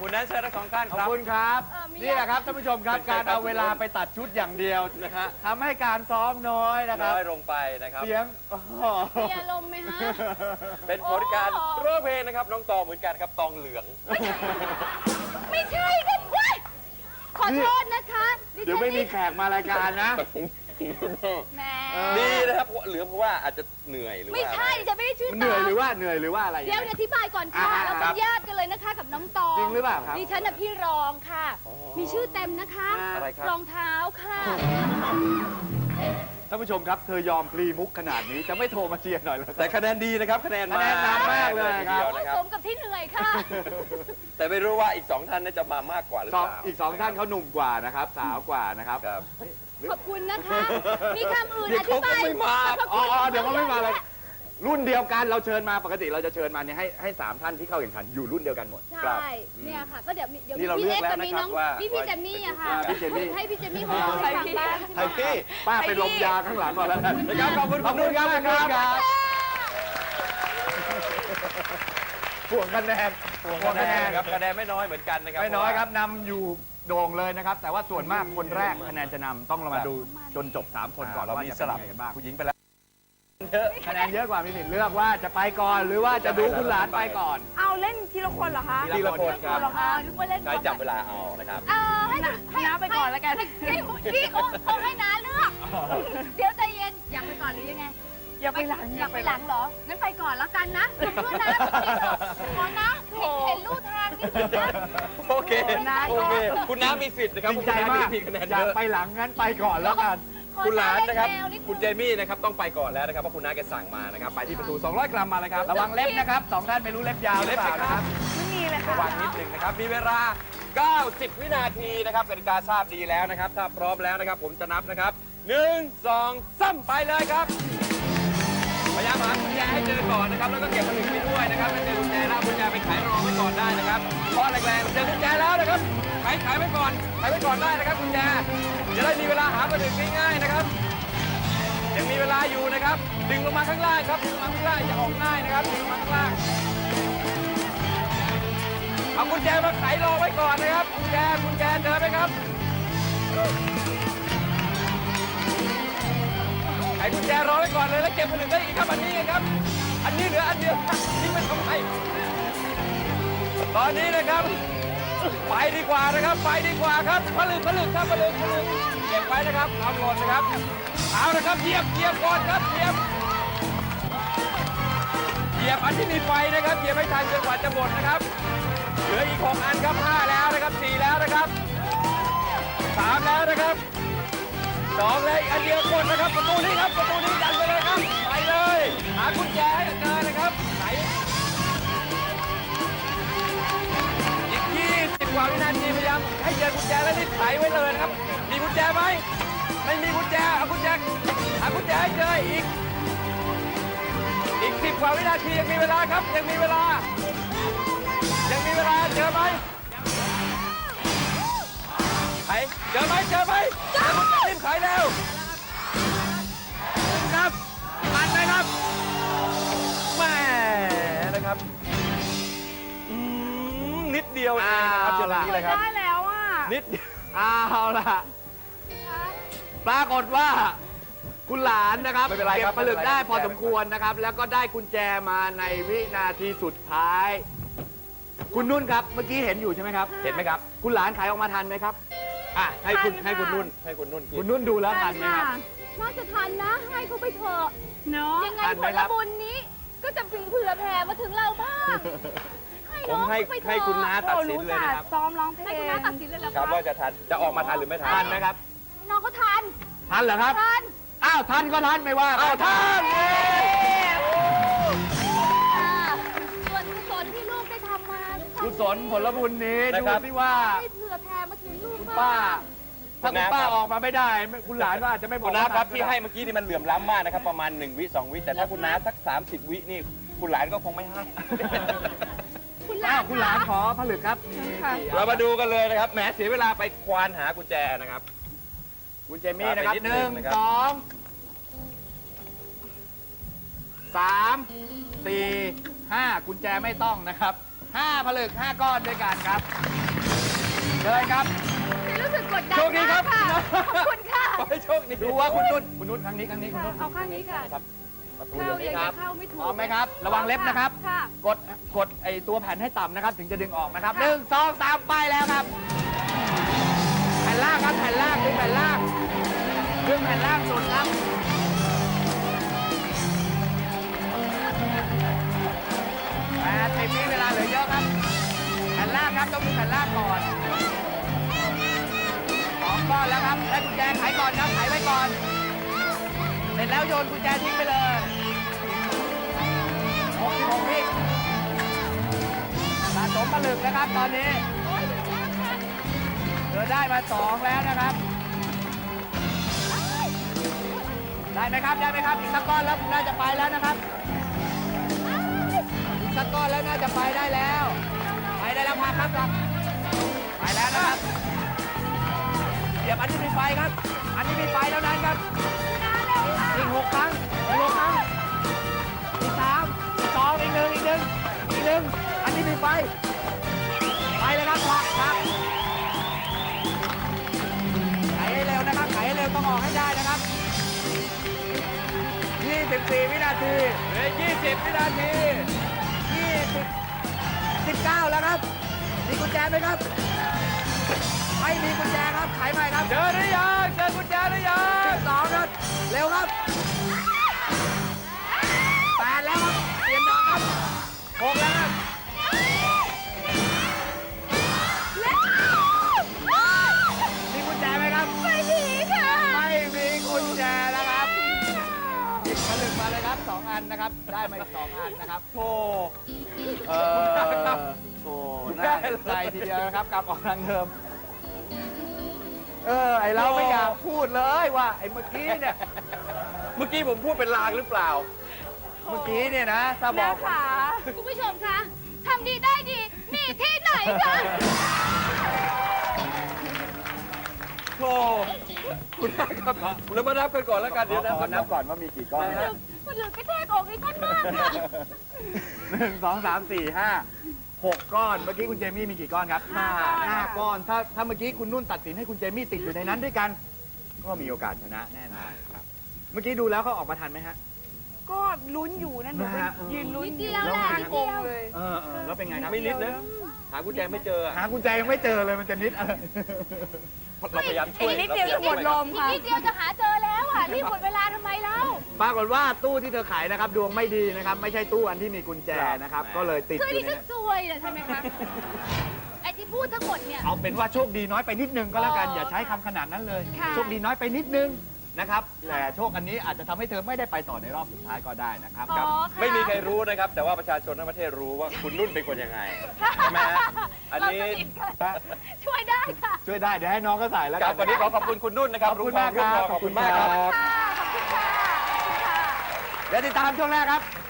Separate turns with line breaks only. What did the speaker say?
คุณนั้นเชิญทั้งสองท่าน
ข
ค
อบ
รับ
คุณครับนี่แหละครับท่านผู้ชมครับ การเอาเวลาไปตัดชุดอย่างเดียวนะฮะทำให้การซ้อมน้อยนะครับ
น้อยลงไปนะครับ
เสียง
มีอารมณ์ไหมฮะ
เป็นผลการร้องเพลงนะครับน้องตองเหมือนกันครับตองเหลือง
ไม่ใช่ค่ะเว้ยขอโทษนะคะฉัน
เดี๋ยวไม่มีแขกมารายการนะ
แหม
ดีนะครับเหลืองเพราะว่าอาจจะเหนื่อยหรือว่า
ไม่ใช่ฉันไม่ได้ชื่อ
เหนื่อยหรือ
ต
ว่าเหนื่อยหรือว่าอะไร
เดี๋ยวอธิบายก่อนค่ะ
อ่า
เราเป็นญาติกันเลยนะคะกับน้องตอง
จริงหรือเปล่าครับ
ดิฉันน่ะพี่รองค่ะ มีชื่อเต็มนะคะ
อะไรครับ
รองเท้าค่ะ
ท่านผู้ชมครับเธอยอมพลีมุกขนาดนี้จะไม่โทรมาเชียร์หน่อยเหรอ
แต่คะแนนดีนะครับคะแนน
คะแนนนำมากเลยครับ
ทีดีว
โอ้ย
นะค
ส
รับ
มกับที่เหนื่อยค่ะ
แต่ไม่รู้ว่าอีก2ท่านน่าจะมามากกว่าหรือเปล่า
อีกสองท่านเขาหนุ่มกว่านะครับสาวกว่านะครับ
ครับ
ขอบคุณนะคะ มีคำอื่น
เดี๋
อ
ยว
ธิ
เขาก็
บาย
ไม่มา
อ๋อเดี๋ยวเขาไม่มาเลยรุ่นเดียวกันเราเชิญมาปกติเราจะเชิญมาเนี่ยให้3ท่านที่เข้าแข่งขันอยู่รุ่นเดียวกันหมด
ใช่เนี่ยค่ะ ก็เดี๋ยว
นี่เรา
พี่
เลือก
เอ็กซ์
แล้ว
กับมี
นะครั
น้
บ
อง
ว่า
พี่เจมมี่อะค่ะ
พี่เจมมี่
ให้พี่เจมมี่พูดให้ฟังบ้าง
ไทยพี่
ป้าไปลมยาข้างหลังก่อนแล้วกัน
นะครับขอบคุณ
ขอบคุณครับ
ขอบคุณครับ
ห่วงคะแนน
คะแนนครับคะแนนไม่น้อยเหมือนกันนะครับ
ไม่น้อยครับนำอยู่โด่งเลยนะครับ แต่ว่าส่วนมากคนแรกคะแนนจะนำต้องเรามาดูจนจบ3คนก่อน
เรา
ว่า
มี
จะ
ส
เป็น
ลับ
ยังไงกันบ้าง
ผู้หญิงไปแล้วเยอะ
คะแนนเยอะกว่ามีสิทธิ์เลือกว่าจะไปก่อนหรือว่าจะดูคุณหลานไปก่อน
เอาเล่นทีละคนเหรอคะ
ทีละคนครับ
อ๋อนึกว่าเล่น
ใช้จับเวลาเอานะครับ
ให้
น้าไปก่อนแล้วกัน
พี่เขาให้น้าเลือก เดี๋ยวใจเย็น อยากไปก่อนหรือยังไง
อย่าไปหลัง
อยากไปหลังเหรอ งั้นไปก่อนแล้วกันนะเพื่อนนะขอนะเห็นลู่ทางนิดนึงนะ
โอเคโอเคคุณน้ามีสิทธิ์นะครับ
จริงใจมาก
มีคะแนน
อ
เย
ยาก
อะ
ไปหลังงั้นไปก่อนแล้วกัน
คุณหลานนะครับ
ขอแวนิดนึง
คุณเจมี่นะครับต้องไปก่อนแล้วนะครับเพราะคุณน้าแกสั่งมานะครับไปที่ประตู200 กรัมมาเลยครับ
ระวังเล็บนะครับ2ท่านไม่รู้เล็บยาวหรือเปล่านะครับ
ไม่มีเลย
ระ
ค่ะ
วังนิดหนึ่งนะครับมีเวลา 90 วินาทีนะครับกติกาทราบดีแล้วนะครับถ้าพร้อมแล้วนะครับผมจะนับนะครับ1 2 3ไปเลยครับพยายามหากุญแจให้เจอก่อนนะครับแล้วก็เก็บผลึกไปด้วยนะครับถ้าเจอกุญแจแล้วกุญแจไปไขรอไว้ก่อนได้นะครับเพราะแรงๆเจอกุญแจแล้วนะครับไขไว้ก่อนได้นะครับกุญแจจะได้มีเวลาหาผลึกง่ายๆนะครับยังมีเวลาอยู่นะครับดึงลงมาข้างล่างครับดึงลงมาข้างล่างจะออกง่ายนะครับดึงลงมาข้างล่างเอากุญแจมาไขรอไว้ก่อนนะครับกุญแจเจอไหมครับไขกุญแจรอไว้ก่อนเลยแล้วเก็บผลึกได้อีกครับอันนี้ครับอันนี้เหลืออันเดียวทิ้งมันทำไมตอนนี้นะครับไปดีกว่านะครับไปดีกว่าครับผลึกครับผลึกเก็บไว้นะครับทำหล่นนะครับเอานะครับเหยียบก่อนครับเหยียบอันที่มีไฟนะครับเหยียบให้ทันจนกว่าจะหมดนะครับเหลืออีก6อันครับ5แล้วนะครับ4แล้วนะครับ3แล้วนะครับ2เลยอีกอันเดียวกดนะครับประตูนี้ครับประตูนี้ดันไปเลยครับไปเลยหากุญแจให้เจอนะครับไหนอีก20 กว่าวินาทีพยายามให้เจอกุญแจแล้วรีบไขไว้เลยนะครับมีกุญแจไหมไม่มีกุญแจเอากุญแจหากุญแจให้เจออีก10 กว่าวินาทียังมีเวลาครับยังมีเวลาเจอไหมไขเจอไหมรีบไขเร็วครับทันไหมครับแหม่นะครับนิดเดียวเองนะครับเจอแบบนี้เลยครับ
ได้แล้วอ่ะ
นิดเดียว
เอาล่ะปรากฏว่าคุณหลานนะครับ
ไม่เป็นไร
เก็
ครับ
บผลึกได้
ไม่เป็นไร
พอสมควรนะครับ แล้วก็ได้กุญแจมาในวินาทีสุดท้าย คุณนุ่นครับเมื่อกี้เห็นอยู่ใช่ไหมครับ
เห็นไหมครับ
คุณหลานขายออกมาทันไหมครับ
อ่ะให้คุณ
ทันค่ะ
นุ่นกิ
คุ
น
ณนุ่นดูแล้วทันไหมครับ
น่าจะทันนะ ให้เขาไปเถอะ
เนาะ
ยังไง
ทัน
ผ
ไหม
ล
ครับ
บุญนี้ ก็จะพึงเผื่อแผ่มาถึงเราบ้าง
ผม
น้อง
ให้
เขาไปเถอะ
ให้คุณน้าตัด
โอ้
สิน
รู้
เลย
จัก
นะครับ
ซ้อมร้องเพล
ให้
ง
คุณน้าตัดสินเลยเหรอ
ครับ
คะ
ว่าจะออกมาทันหรือไม่ทัน
ทันไหมครับ
น้องเขาทัน
ทันเหรอครับ
ทัน
อ้าวทันก็ทันไม่ว่า
อ้าวทัน
ส่วนกุศลที่ลูกได้ทำมา
กุศลผลบุญนี้
นะ
ดู
ครับ
สิว่า
ให้เผื่อแผ่มาถึงลูก
คุณ
บ้า
ป้า
ง
ถ้าคุณป้าออกมาไม่ได้ คุณหลานก็อาจจะไม่บอ
คุ
ก
ณน้า
ว่า
ครับ
ทัน
ที่ให้เมื่อกี้นี่มันเหลื่อมล้ำมากนะครับประมาณ1 วิ 2 วิแต่ถ้าคุณน้าสัก30 วินี่คุณหลานก็คงไม่ให้
คุณหลา
อ้าว
น
คุณหลานขอผลึกครับมี
ค่ะ
กี่
เรามาดูกันเลยนะครับแหมเสียเวลาไปควานหากุญแจนะครับ
คุณเจมี่นะครับ
ไปนิด
ห
นึ
นึ่
ง
ง
นะครับ
สองสามสี่ห้ากุญแจไม่ต้องนะครับ 5 ผลึก 5 ก้อนด้วยกันครับเลยครับ
รู้สึกกดดัน
โชคดีครับ
มากค่ะขอบคุณค่ะ
ขอให้โชคดี
ดูว่าคุณนุ่นครั้งนี้คุณนุ่น
เอาข้างนี้ค่ะ
ครับประตู
เข้า
อยู่
ยั
นี่
ง
ครับ
เข้าไม่ถูก
พร้อมไหมครับ ระวังเล็บนะครับ
ค่ะ
กดไอตัวแผ่นให้ต่ำนะครับ ถึงจะดึงออกนะครับ1 2 3 ไปแล้วครับ แผ่นล่างครับแผ่นล่างดึงแผ่นล่างดึงแผ่นล่างสุดครับ8 10 วิเวลาเหลือเยอะครับ แผ่นล่างครับต้องมีแผ่นล่างก่อน2 ก้อนแล้วครับได้กุญแจไขก่อนครับไขไว้ก่อนเสร็จแล้วโยนกุญแจทิ้งไปเลย66 วิสะสมผลึกนะครับตอนนี้เธอได้มา 2 แล้วนะครับ ได้ไหมครับได้ไหมครับอีกสักก้อนแล้วน่าจะไปแล้วนะครับอีกสักก้อนแล้วน่าจะไปได้แล้วไปได้แล้วครับไปแล้วนะครับเดี๋ยวอันนี้มีไฟครับ อันนี้มีไฟแล้วนั้นครับอีก6 ครั้งอีก6 ครั้งอีก3อีก2อีก1อีก1อันนี้มีไฟไปเลยครับผลักไขให้เร็วนะครับไขให้เร็วต้องออกให้ได้นะครับ24 วินาที
เหลือ20 วินาที
20 19 แล้วครับ มีกุญแจไหมครับ ไม่มีกุญแจครับ ไขใหม่ครับ
เจอหรือยังเจอกุญแจหรือยัง
12 ครับ เร็วครับ8แล้วครับ เปลี่ยนดอกครับ6แล้วครับ มีกุญแจไหมครับ
ไม่ดีค่ะ
ไม่มีกุญแจแล้วครับหยิบผลึกมาเลยครับ 2 อันนะครับ ได้มาอีก 2 อันนะครับโธ่โธ่น่าเห็นใจทีเดียวนะครับกลับออกทางเดิม ไอเราไม่อยากพูดเลยว่าไอเมื่อกี้เนี่ย
เมื่อกี้ผมพูดเป็นลางหรือเปล่า
เมื่อกี้เนี่ยนะถ้าบ
แม่
อก
ขา
คุณผู้ชมคะทำดีได้ดีมีที่ไหนคะ
โธ่คุณแม่ครับเรามานับกันก่อนแล้วกันเดี๋ยวนะ
ขอนับก่อนว่ามีกี่ก้อน
มันเหลือกระแทกอกอีกท่านมากค่ะ
1 2 3 4 5 6 ก้อน เมื่อกี้คุณเจมี่มีกี่ก้อนครับ5 ก้อน ถ้าเมื่อกี้คุณนุ่นตัดสินให้คุณเจมี่ติดอยู่ในนั้นด้วยกัน ก็มีโอกาสชนะแน่นอนครับ เมื่อกี้ดูแล้วเขาออกมาทันไหมฮะ
ก็ลุ้นอยู่นะหนูไป
นะฮะ
ยืนลุ้น
นิดเดียวแหละ
ข้าง
นิด
ก
เดี
ง
ยว
เลย
แล้วเป็นไงครับ
ไม่นิดนะ หากุญแจไม่เจออะ
หากุญแจยังไม่เจอเลยมันจะนิดอะไร
เราพยายามช่วย
อีกนิดเดียวจะหมดลม
อีก
ค่ะ
นิดเดียวจะหาเจอแล้วอ่ะนี่หมดเวลาทำไมแล้ว
ปรากฏว่าตู้ที่เธอขายนะครับ ดวงไม่ดีนะครับ ไม่ใช่ตู้อันที่มีกุญแจนะครับ ก็เลยติด
คือ
อยู่
ดิ
ใน
ฉัน
นั้น
ซวยเหรอใช่ไหมคะไอ้ที่พูดทั้งหมดเนี่ย
เอาเป็นว่าโชคดีน้อยไปนิดนึงก็แล้วกัน
อ๋ออ
อย่าใช้คำขนาดนั้นเลย
ค่ะ
โชคดีน้อยไปนิดนึงนะครับ แต่โชคอันนี้อาจจะทำให้เธอไม่ได้ไปต่อในรอบสุดท้ายก็ได้นะครับ
อ๋อ
ครับ
ค่ะ
ไม่มีใครรู้นะครับ แต่ว่าประชาชนทั้งประเทศรู้ว่าคุณนุ่นเป็นคนยังไงใช่ไหมฮะอันนี้
เราสนิทกันช่วยได้ค่ะ
ช่วยได้เดี๋ยวให้น้องก็ใส่แล้ว
ค
กั
รับ
น
วันนี้ขอขอบคุณคุณนุ่นนะครับ
ขอบคุณมากครับ
ขอบคุณมากครับ
ค่ะขอบคุณค่ะ
เดี๋ยวติดตามช่วงแรกครับ